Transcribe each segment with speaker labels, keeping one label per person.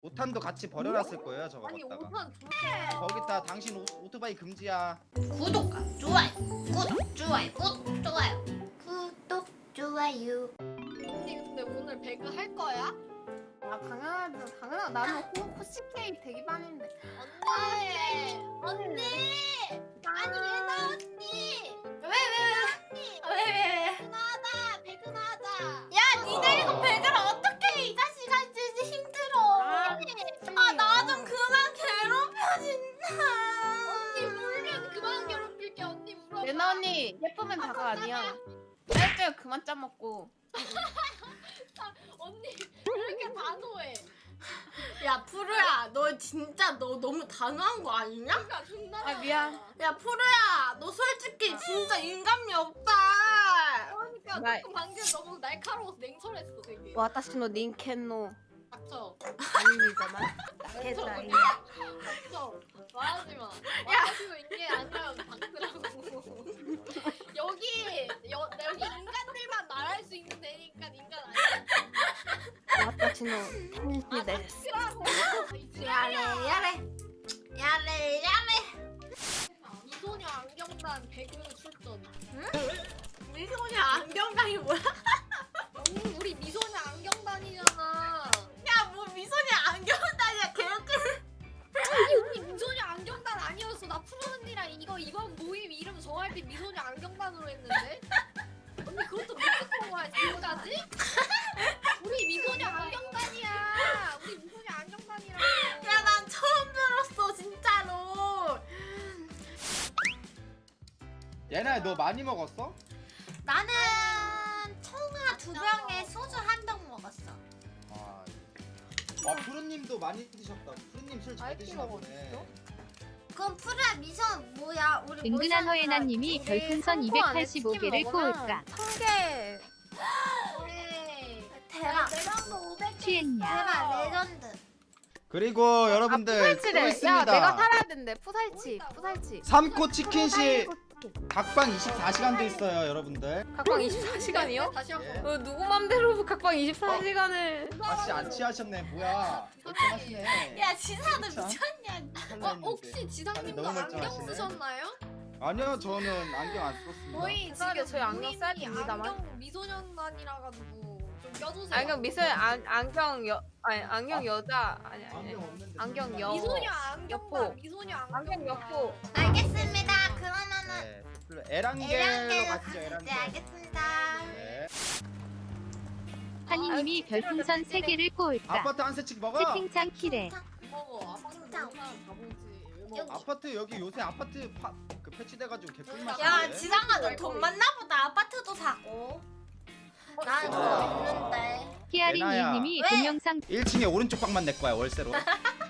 Speaker 1: 오탄도 같이 버려놨을 거예요 저거
Speaker 2: 아니
Speaker 1: 갖다가.
Speaker 2: 5판 좋네.
Speaker 1: 거기다 당신 오토바이 금지야.
Speaker 3: 구독과 좋아요, 구독, 좋아요, 구독, 좋아요, 구독, 좋아요.
Speaker 2: 언니 근데 오늘 배그 할 거야?
Speaker 4: 아 당연하죠. 당연하. 나는 호시케이 대기반인데.
Speaker 2: 언니! 아니 얘나 언니!
Speaker 3: 왜?
Speaker 2: 배그나하자! 배그나하자!
Speaker 3: 야, 니들 이거 배그를 어떻게 해? 이 자식아 진짜 힘들어. 아, 나 좀 그만 괴롭혀 진짜.
Speaker 2: 언니 울면 그만 괴롭힐게. 언니 울어.
Speaker 4: 레나 언니 예쁘면 다가 아니야. 짤짤 그만 짜먹고.
Speaker 2: 언니 왜 이렇게 단호해?
Speaker 3: 야, 푸르야, 너 진짜 너 너무 단호한 거 아니냐?
Speaker 2: 그러니까 존나.
Speaker 4: 아, 미안.
Speaker 3: 야, 푸르야, 너 솔직히 진짜 인간미 없다.
Speaker 2: 그러니까
Speaker 4: 나-
Speaker 2: 조금 방금 너무 날카로워서 냉철했어 되게.
Speaker 4: 와타시노 닌켄노
Speaker 2: 닥쳐.
Speaker 4: 아닙니다만. 나겠다이.
Speaker 2: 닥쳐. 말하지 마. 말하지마 이게 아니라 닥치라고. 여기 인간들만 말할 수 있는 데니까 인간 아니야.
Speaker 4: 와타시노 텐시데스.
Speaker 2: 닥치라고.
Speaker 3: 야래.
Speaker 2: 미소녀 안경단 배그 출전.
Speaker 3: 미소녀 안경당이 뭐야?
Speaker 2: 언니 우리 미소녀 안경단이잖아.
Speaker 3: 야, 뭐 미소녀 안경당이야, 개웃겨.
Speaker 2: 아니 우리 미소녀 안경단 아니었어. 나 푸른 언니랑 이번 모임 이름 정할 때 미소녀 안경단으로 했는데. 언니 그것도 못듣는 거야 지금까지? 우리 미소녀 안경단이야. 우리 미소녀 안경단이라고.
Speaker 3: 야, 난 처음 들었어, 진짜로.
Speaker 1: 얘네 너 많이 먹었어?
Speaker 3: 나는 청아 2병에 소주 1병 먹었어.
Speaker 1: 푸르님도 많이 드셨다. 푸르님 술 잘
Speaker 4: 아이키
Speaker 1: 드시나 보네.
Speaker 4: 먹었어?
Speaker 3: 그럼 푸르야 미션 뭐야? 우리
Speaker 5: 은근한 허예나님이
Speaker 4: 우리
Speaker 5: 별풍선
Speaker 4: 성공 안에 치킨
Speaker 5: 285개를
Speaker 4: 먹으면
Speaker 5: 꼬을까?
Speaker 4: 1000개.
Speaker 2: 네.
Speaker 3: 대박.
Speaker 2: 내방도 500개.
Speaker 5: 취했냐?
Speaker 3: 대박 레전드.
Speaker 1: 그리고 여러분들 또
Speaker 4: 푸살치래. 야
Speaker 1: 있습니다.
Speaker 4: 내가 살아야 된대. 푸살치.
Speaker 1: 삼코 치킨시 각방 24시간도 있어요 여러분들.
Speaker 4: 각방 24시간이요?
Speaker 2: 다시 한
Speaker 1: 예.
Speaker 2: 번.
Speaker 4: 누구 맘대로 각방 24시간을.
Speaker 1: 아씨 안 취하셨네 뭐야. 멀쩡하시네.
Speaker 3: 야, 지사도
Speaker 1: 그쵸?
Speaker 3: 미쳤냐?
Speaker 2: 혹시 지상님도
Speaker 1: 너무
Speaker 2: 안경
Speaker 1: 멀쩡하시네.
Speaker 2: 쓰셨나요?
Speaker 1: 아니요 저는 안경 안 썼습니다.
Speaker 2: 저희
Speaker 4: 지금 저희 안경
Speaker 2: 모임이
Speaker 4: 써야 됩니다만.
Speaker 2: 안경 미소년단이라 가지고 좀 껴주세요.
Speaker 4: 안경 미술 안경 여자 아니.
Speaker 1: 안경 없는데.
Speaker 4: 안경 여.
Speaker 2: 미소녀
Speaker 4: 여포.
Speaker 2: 안경단. 미소녀 안경단.
Speaker 4: 안경 여포.
Speaker 3: 알겠습니다. 그러면은
Speaker 1: 네. 에랑겔로
Speaker 3: 에랑겔로
Speaker 1: 가시죠
Speaker 3: 가시죠.
Speaker 1: 에랑겔.
Speaker 3: 알겠습니다.
Speaker 1: 네.
Speaker 5: 환희님이 별풍선 3개를 꼬을까?
Speaker 1: 아파트 한 세씩 먹어.
Speaker 5: 채팅창 키래.
Speaker 2: 먹어. 아빠는
Speaker 3: 진짜.
Speaker 2: 너무 사람 가보지. 왜 먹어?
Speaker 1: 아파트 여기 요새 아파트 그 패치돼가지고 개꿀맛.
Speaker 3: 야, 지상아 너 돈 많나 보다. 아파트도 사고. 난 돈 없는데.
Speaker 5: 히아리니님이
Speaker 1: 예나야.
Speaker 5: 동영상
Speaker 1: 1층에 오른쪽 방만 내 거야 월세로.
Speaker 3: 야,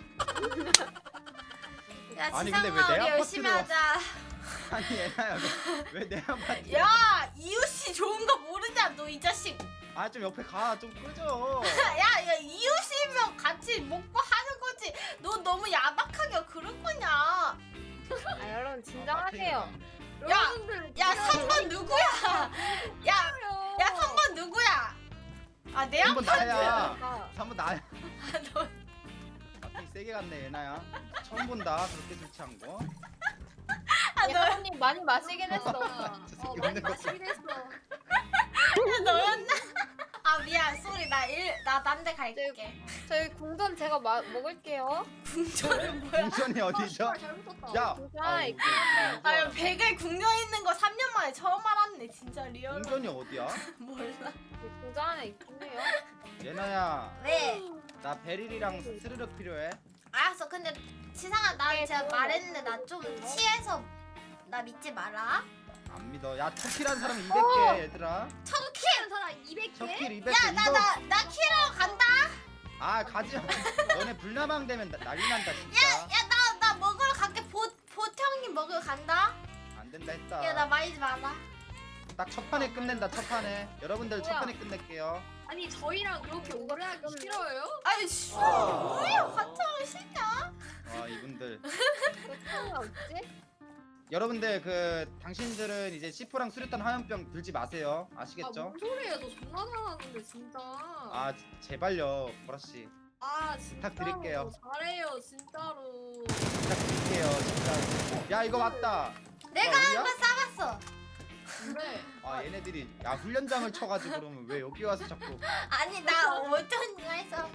Speaker 1: 아니, 근데 왜
Speaker 3: 지상아
Speaker 1: 내
Speaker 3: 우리 열심히
Speaker 1: 아파트로
Speaker 3: 하자.
Speaker 1: 아니 얘나야 왜 내 아파트?
Speaker 3: 야, 이웃이 좋은 거 모르냐? 너 이 자식.
Speaker 1: 아좀 옆에 가 좀 꺼져.
Speaker 3: 야, 이웃이면 같이 먹고 하는 거지. 너 너무 야박하게 그럴 거냐?
Speaker 4: 아 여러분 진정하세요.
Speaker 3: 야, 3번 누구야? 야, 3번 누구야? 아, 내
Speaker 1: 한번
Speaker 3: 아파트.
Speaker 1: 나야. 한번 나야.
Speaker 3: 너
Speaker 1: 갑자기 세게 갔네 얘나야. 처음 본다 그렇게 술 취한 거.
Speaker 4: 예나님 많이 마시긴 했어.
Speaker 1: 저 새끼
Speaker 2: 많이
Speaker 1: 없는 거.
Speaker 2: 마시긴 했어.
Speaker 3: 너였나? 아, 미안. 쏘리. 나 딴 데 갈게.
Speaker 4: 저희 궁전 제가 먹을게요.
Speaker 3: 궁전은 뭐야?
Speaker 1: 공전이 어디죠?
Speaker 2: 아, 잘 붙었다.
Speaker 1: 야.
Speaker 4: 아이,
Speaker 3: 아, 백에 궁전 있는 거 3년 만에 처음 알았네. 진짜 리얼.
Speaker 1: 공전이 어디야?
Speaker 3: 몰라.
Speaker 4: 궁전 안에 있긴 해요.
Speaker 1: 얘나야
Speaker 3: 왜?
Speaker 1: 나 베릴이랑 스르륵 필요해.
Speaker 3: 알았어. 근데 지상아, 나
Speaker 4: 네,
Speaker 3: 제가
Speaker 4: 그럼
Speaker 3: 말했는데 나 좀 취해서 나 믿지 마라.
Speaker 1: 안 믿어. 야 터키란 사람 200개 얘들아.
Speaker 2: 키는 사람 200개?
Speaker 1: 터키 200개
Speaker 3: 야,
Speaker 1: 이거.
Speaker 3: 나 키러 간다.
Speaker 1: 아 가지. 너네 불나방 되면 난리 난다 진짜.
Speaker 3: 야, 나 먹으러 갈게. 보형님 먹으러 간다.
Speaker 1: 안 된다 했다.
Speaker 3: 야, 나 말리지 마라.
Speaker 1: 딱 첫 판에 끝낸다 첫 판에. 여러분들 첫
Speaker 4: 뭐야?
Speaker 1: 판에 끝낼게요.
Speaker 2: 아니 저희랑 그렇게 오래 하기 싫어요?
Speaker 3: 아이, 씨. 뭐야? 화창을 싫냐?
Speaker 1: 와 이분들.
Speaker 4: 그 없지?
Speaker 1: 여러분들 그 당신들은 이제 C4랑 수류탄 화염병 들지 마세요.
Speaker 2: 아,
Speaker 1: 아시겠죠?
Speaker 2: 뭔 소리예요? 저 존나 잘하는데 진짜.
Speaker 1: 아 제발요 보라 씨.
Speaker 2: 아 진짜
Speaker 1: 부탁드릴게요.
Speaker 2: 잘해요 진짜로.
Speaker 1: 부탁드릴게요 진짜. 야 이거 맞다.
Speaker 3: 내가
Speaker 1: 어디야?
Speaker 3: 한번 싸봤어.
Speaker 2: 근데
Speaker 1: 아 얘네들이 야 훈련장을 쳐가지고 그러면 왜 여기 와서 자꾸
Speaker 3: 아니 나 어떤 이유에서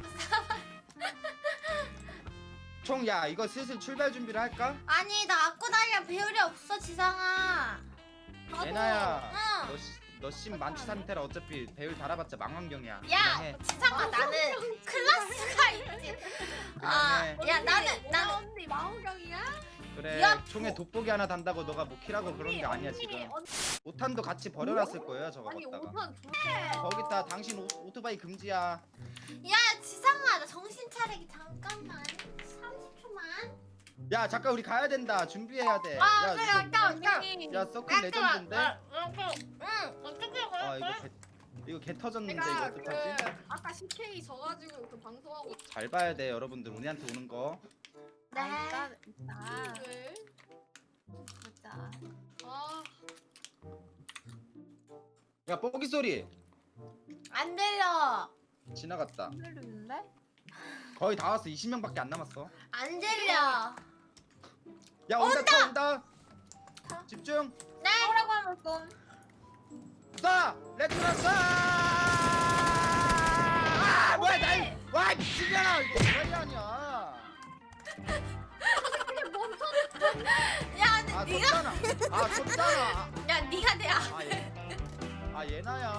Speaker 1: 총 야 이거 슬슬 출발 준비를 할까?
Speaker 3: 아니 나 악구다리랑 배율이 없어 지상아.
Speaker 2: 나도
Speaker 1: 예나야
Speaker 3: 응.
Speaker 1: 너심 만취 상태라 어차피 배율 달아봤자 망원경이야.
Speaker 3: 야
Speaker 1: 그냥 해.
Speaker 3: 지상아 나는 클래스가 있지. 아,
Speaker 1: 그냥 해.
Speaker 3: 야 나는
Speaker 2: 언니 마호경이야?
Speaker 1: 그래
Speaker 3: 야,
Speaker 1: 총에 돋보기 하나 단다고 너가 뭐 키라고 그런 게 아니야 지금.
Speaker 2: 언니,
Speaker 1: 5탄도 같이 버려놨을 거예요 저거
Speaker 2: 아니
Speaker 1: 갖다가.
Speaker 2: 5탄 두
Speaker 1: 거기다 당신 오토바이 금지야.
Speaker 3: 야 지상아 나 정신 차리기 잠깐만 30초만.
Speaker 1: 야 잠깐 우리 가야 된다. 준비해야 돼.
Speaker 3: 아
Speaker 1: 야,
Speaker 3: 그래
Speaker 1: 이거-
Speaker 3: 잠깐.
Speaker 1: 야 서클 레전드인데.
Speaker 3: 응 어떻게
Speaker 1: 아 이거 개 터졌는데 이거
Speaker 2: 내가 그
Speaker 1: 어떡하지?
Speaker 2: 아까 CK 져가지고 그 방송하고
Speaker 1: 잘 봐야 돼 여러분들 우리한테 오는 거.
Speaker 3: 네.
Speaker 2: 왜?
Speaker 3: 보자.
Speaker 2: 아
Speaker 1: 야 뽀기 소리
Speaker 3: 안 들려.
Speaker 1: 지나갔다.
Speaker 4: 들리는데?
Speaker 1: 거의 다 왔어. 20명밖에 안 남았어.
Speaker 3: 안 들려.
Speaker 1: 야 온다 차 온다. 집중.
Speaker 3: 네.
Speaker 4: 뭐라고 하면 좀.
Speaker 1: 쏴! 레트나 쏴! 아 뭐야 날와 미친년아 이거 뭐야 아니야.
Speaker 2: 이게 뭔 소리?
Speaker 3: 야 근데
Speaker 1: 아
Speaker 3: 네가
Speaker 1: 쳤잖아. 아 쳤잖아.
Speaker 3: 야 네가 내야.
Speaker 1: 아 얘나야.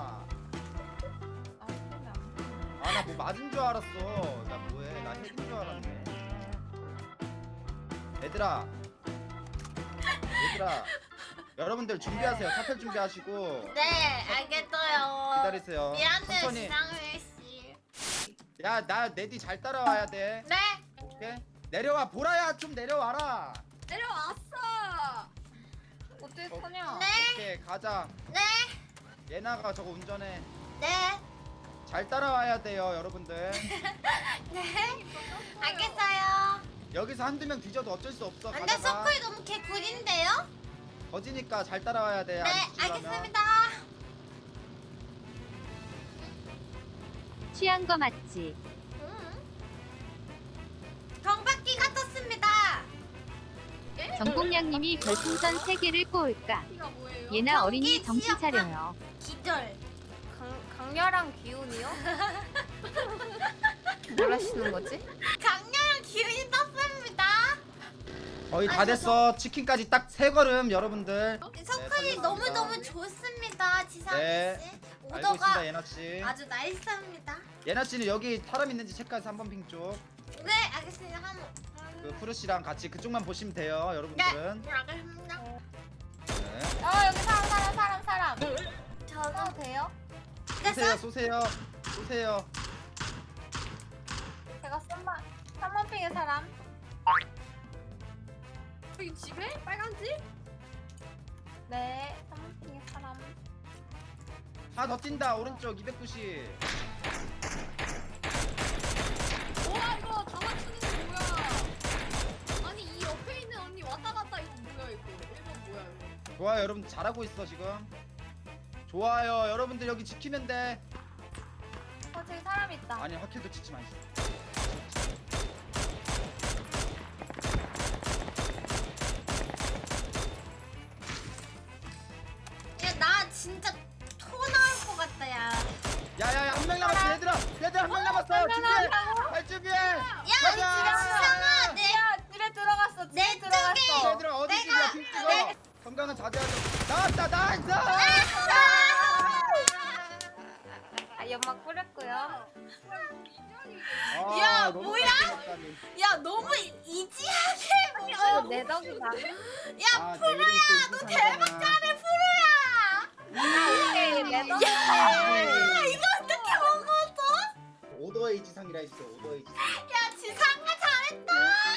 Speaker 4: 아, 소리 안 들려.
Speaker 1: 아 나 뭐 맞은 줄 알았어. 나 뭐해? 나 핵인 줄 알았네. 얘들아, 여러분들 준비하세요. 사표 준비하시고
Speaker 3: 네 알겠어요.
Speaker 1: 기다리세요.
Speaker 3: 미안해
Speaker 1: 천천히.
Speaker 3: 지상일 씨.
Speaker 1: 야 나 내 뒤 잘 따라와야 돼.
Speaker 3: 네.
Speaker 1: 오케이? 내려와 보라야 좀 내려와라.
Speaker 2: 내려왔어.
Speaker 4: 어떻게 타냐?
Speaker 3: 네.
Speaker 1: 오케이 가자.
Speaker 3: 네.
Speaker 1: 예나가 저거 운전해.
Speaker 3: 네.
Speaker 1: 잘 따라와야 돼요 여러분들.
Speaker 3: 네. 알겠어요.
Speaker 1: 여기서 한두 명 뒤져도 어쩔 수 없어.
Speaker 3: 근데
Speaker 1: 가다가
Speaker 3: 서클 너무 개꿀인데요?
Speaker 1: 거지니까 잘 따라와야 돼.
Speaker 3: 네
Speaker 1: 안 뒤지려면.
Speaker 3: 알겠습니다.
Speaker 5: 취한 거 맞지?
Speaker 3: 경박기가 떴습니다.
Speaker 5: 정공량님이 별풍선 3개를 꼬을까?
Speaker 2: 이가 뭐예요?
Speaker 5: 예나 어린이
Speaker 3: 경기
Speaker 5: 정신
Speaker 3: 지역화.
Speaker 5: 차려요.
Speaker 3: 기절.
Speaker 4: 강렬한 기운이요? 뭘 하시는 거지?
Speaker 3: 강렬한 기운이 떴습니다.
Speaker 1: 거의 다 됐어. 치킨까지 딱 3걸음 여러분들.
Speaker 3: 서클이
Speaker 1: 네,
Speaker 3: 너무 너무
Speaker 1: 알겠습니다.
Speaker 3: 좋습니다, 지상이
Speaker 1: 네,
Speaker 3: 씨.
Speaker 1: 알고
Speaker 3: 오더가
Speaker 1: 있습니다 예나 씨.
Speaker 3: 아주 나이스합니다.
Speaker 1: 예나 씨는 여기 사람 있는지 체크해서 한번 핑 쪽.
Speaker 3: 네, 알겠습니다.
Speaker 1: 그 푸르 씨랑 같이 그쪽만 보시면 돼요
Speaker 3: 네,
Speaker 1: 여러분들은.
Speaker 3: 알겠습니다.
Speaker 1: 네.
Speaker 4: 여기 사람.
Speaker 3: 저도
Speaker 4: 돼요?
Speaker 3: 됐어?
Speaker 1: 쏘세요.
Speaker 4: 제가 썸만 핑의 사람.
Speaker 2: 여기 집에 빨간 집?
Speaker 4: 네, 썸만 핑의 사람.
Speaker 1: 하나 더 뛴다 오른쪽 290.
Speaker 2: 와 이거 다 맞추는 거 뭐야? 아니 이 옆에 있는 언니 왔다 갔다 이거 뭐야 이거? 1번 뭐야 이거?
Speaker 1: 좋아요 여러분 잘하고 있어 지금. 좋아요 여러분들 여기 지키면 돼.
Speaker 4: 저기 사람 있다.
Speaker 1: 아니 확킬도 찍지 마.
Speaker 3: 야, 나 진짜 토 나올 것 같다, 야.
Speaker 1: 야야야 한 명 남았어 얘들아 한 명 남았어요. 준비해. 할 준비해.
Speaker 3: 야, 우리 집에 지상아, 내
Speaker 4: 집에 들어갔어.
Speaker 3: 내
Speaker 4: 집에 들어갔어.
Speaker 3: 쪽에.
Speaker 1: 얘들아 어디
Speaker 3: 내가-
Speaker 1: 집이야 핑 찍어. 건강은 자제하자. 나왔다 나이스.
Speaker 4: 연막 뿌렸고요.
Speaker 1: 아,
Speaker 3: 야,
Speaker 1: 너무
Speaker 3: 뭐야?
Speaker 1: 깜짝이야.
Speaker 3: 야, 너무 이지하게
Speaker 4: 이거
Speaker 3: 먹어.
Speaker 4: 내 덕이다.
Speaker 3: 야,
Speaker 1: 프로야
Speaker 3: 너 대박 잘해, 프로야.
Speaker 4: 오케이, 내 덕이지.
Speaker 3: 야, 이거 어떻게 먹었어?
Speaker 1: 오더웨이 지상이라 했어. 오더웨이 지상.
Speaker 3: 야, 지상아 잘했다.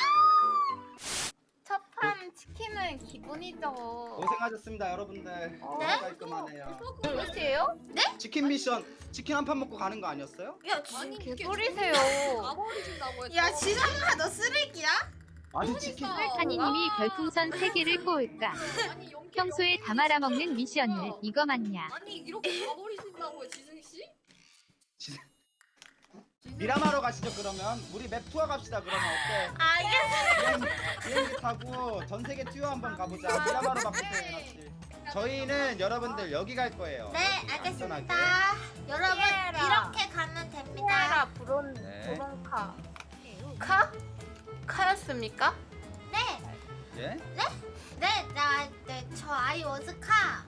Speaker 4: 첫판 치킨은 기본이죠.
Speaker 1: 고생하셨습니다 여러분들.
Speaker 3: 네?
Speaker 1: 깔끔하네요.
Speaker 4: 몇이에요?
Speaker 1: 치킨 미션 치킨 한 판 먹고 가는 거 아니었어요?
Speaker 3: 야,
Speaker 2: 아니
Speaker 3: 지,
Speaker 2: 이게
Speaker 4: 개소리세요.
Speaker 2: 가버리신다고 했어.
Speaker 3: 야, 지상아 너 쓰레기야?
Speaker 1: 아니 치킨
Speaker 5: 한이님이 별풍선 3개를 꼬을까?
Speaker 2: 아니 연기
Speaker 5: 평소에 다 말아먹는 미션을 이거 맞냐?
Speaker 2: 아니 이렇게 가버리신다고요 지승 씨?
Speaker 1: 미라마로 가시죠 그러면. 우리 맵 투어 갑시다 그러면 어때?
Speaker 3: 알겠어.
Speaker 1: 비행기 타고 전 세계 투어 한번 가보자. 미라마로 바꾸세요 예나씨. 저희는 여러분들 여기 갈 거예요.
Speaker 3: 네, 알겠습니다.
Speaker 1: 안전하게.
Speaker 3: 여러분
Speaker 4: 피에라.
Speaker 3: 이렇게 가면 됩니다.
Speaker 4: 피에라 브론
Speaker 1: 네.
Speaker 4: 브론카. 카? 카였습니까?
Speaker 3: 네,
Speaker 1: 예?
Speaker 3: 저 아이워즈카.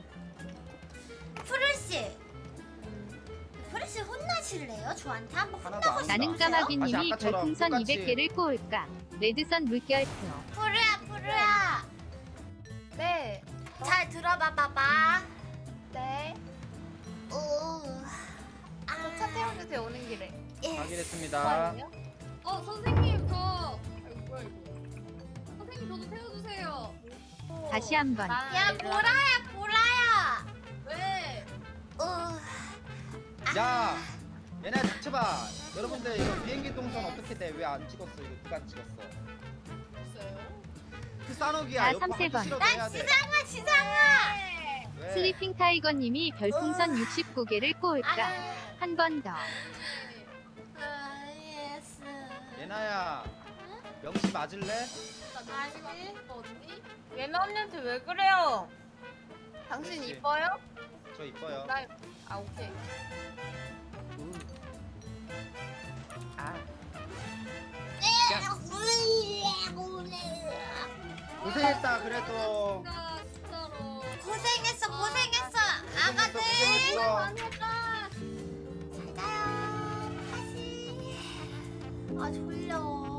Speaker 3: 푸르씨, 푸르씨 혼나실래요? 저한테 한번
Speaker 1: 하나도 안
Speaker 5: 나는
Speaker 1: 한다.
Speaker 5: 까마귀님이
Speaker 1: 다시 아까처럼
Speaker 5: 별풍선
Speaker 1: 똑같이.
Speaker 5: 200개를 꼬을까? 레드선 물결표.
Speaker 3: 푸르야.
Speaker 4: 네.
Speaker 3: 잘 들어봐 봐봐.
Speaker 4: 네.
Speaker 3: 오.
Speaker 4: 저차 태워주세요 오는 길에.
Speaker 3: 예.
Speaker 1: 확인했습니다.
Speaker 2: 선생님 저 아이고 뭐야 이거. 선생님 저도 태워주세요.
Speaker 5: 다시 한번.
Speaker 3: 야 보라야.
Speaker 2: 왜?
Speaker 1: 야 얘네 닥쳐봐. 여러분들 이거 비행기 동선 어떻게 돼? 왜 안 찍었어? 이거 누가 찍었어?
Speaker 2: 있어요?
Speaker 1: 그 싸놓기야.
Speaker 5: 아,
Speaker 1: 이거 하기
Speaker 5: 삼세번.
Speaker 1: 싫어도
Speaker 3: 난
Speaker 1: 해야 돼.
Speaker 3: 지상아.
Speaker 1: 왜?
Speaker 5: 슬리핑 타이거님이 별풍선 69개를 꼬을까? 한 번 더.
Speaker 3: 예스.
Speaker 1: 예나야 명시 맞을래?
Speaker 2: 아니 언니?
Speaker 4: 예나 언니한테 왜 그래요? 당신
Speaker 1: 그렇지.
Speaker 4: 이뻐요?
Speaker 1: 저 이뻐요.
Speaker 4: 아 오케이. 아.
Speaker 1: 고생했다 그래도.
Speaker 2: 나 진짜로.
Speaker 3: 고생했어.
Speaker 1: 고생했어,
Speaker 3: 아가들.
Speaker 1: 고생했어.
Speaker 2: 많이 했다.
Speaker 3: 잘 자요. 다시. 아 졸려.